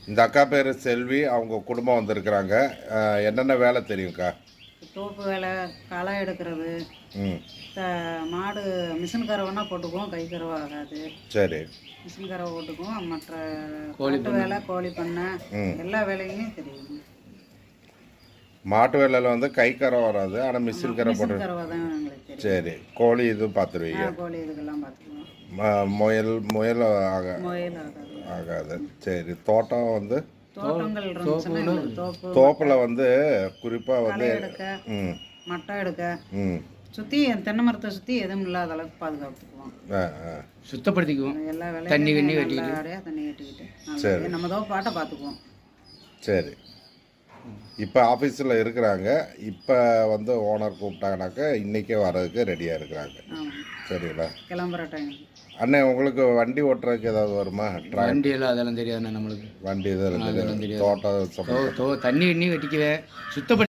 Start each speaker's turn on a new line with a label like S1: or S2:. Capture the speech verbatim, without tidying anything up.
S1: இந்த அக்கா பேர் செல்வி, அவங்க குடும்பம் வந்திருக்கிறாங்க. அஹ், என்னென்ன வேலை தெரியும்க்கா?
S2: தோப்பு வேலை, களை எடுக்கிறது,
S1: ம்
S2: த மாடு மிஷின் கறவைனா போட்டுக்குவோம், கை கறவை ஆகாது.
S1: சரி.
S2: மிஷின் கறவை போட்டுக்குவோம். மற்ற
S3: கோழி
S2: காட்டு வேலை, கோழி பண்ணை,
S1: ம்
S2: எல்லா வேலையுமே தெரியும்.
S1: மாட்டு வேலையில் வந்து கை கரை வராது, ஆனால் மிஷின் கரை போட்டு.
S2: மிஷின் கறவை தான் எங்களுக்கு தெரியும்.
S1: சரி. கோழி இது பார்த்துருவீங்க.
S2: ஆ, கோழி இதுக்கெல்லாம் பார்த்துக்குவோம்.
S1: ம- முயல் முயல் ஆக
S2: முயல் ஆகாது.
S1: ஆகாது. சரி. தோட்டம் வந்து
S2: தோட்டங்கள் இருந்துச்சுன்னா எங்களுக்கு தோப்பு,
S1: தோப்பில் வந்து குறிப்பாக
S2: களை
S1: வந்து
S2: எடுக்க,
S1: ம்
S2: மட்டை எடுக்க,
S1: ம்
S2: சுற்றி தென்னை மரத்தை சுற்றி எதுவும் இல்லாத அளவுக்கு பாதுகாத்துக்குவோம்.
S1: ஆ ஆ
S3: சுத்தப்படுத்திக்குவோம்.
S2: எல்லா
S3: தண்ணி
S2: வேலையும்
S3: கண்ணி
S2: நல்லபடியாக தண்ணி கட்டிக்கிட்டு
S1: சரி.
S2: நல்லபடியா நம்ம தோப்பு பாட்டை பார்த்துக்குவோம்.
S1: சரி. இப்போ ஆஃபீஸில் இருக்கிறாங்க. இப்போ வந்து ஓனர் கூப்பிட்டாங்கனாக்கா இன்றைக்கே வர்றதுக்கு ரெடியாக இருக்கிறாங்க.
S2: ஆமாம்,
S1: சரிங்களா?
S2: கிளம்புற டைம்.
S1: அண்ணே, உங்களுக்கு வண்டி ஓட்டுறதுக்கு ஏதாவது வருமா? ட்ரா
S3: வண்டியெல்லாம் அதெல்லாம் தெரியாதுண்ணா நம்மளுக்கு.
S1: வண்டி இதெல்லாம்
S3: அதெல்லாம்
S1: தெரியாது.
S3: தெரியாது.
S1: தோட்டம்
S3: தோ
S1: சம்பந்தம்.
S3: தோ தண்ணி கண்ணி வெட்டிக்குவேன். சுத்தப்படுத்தி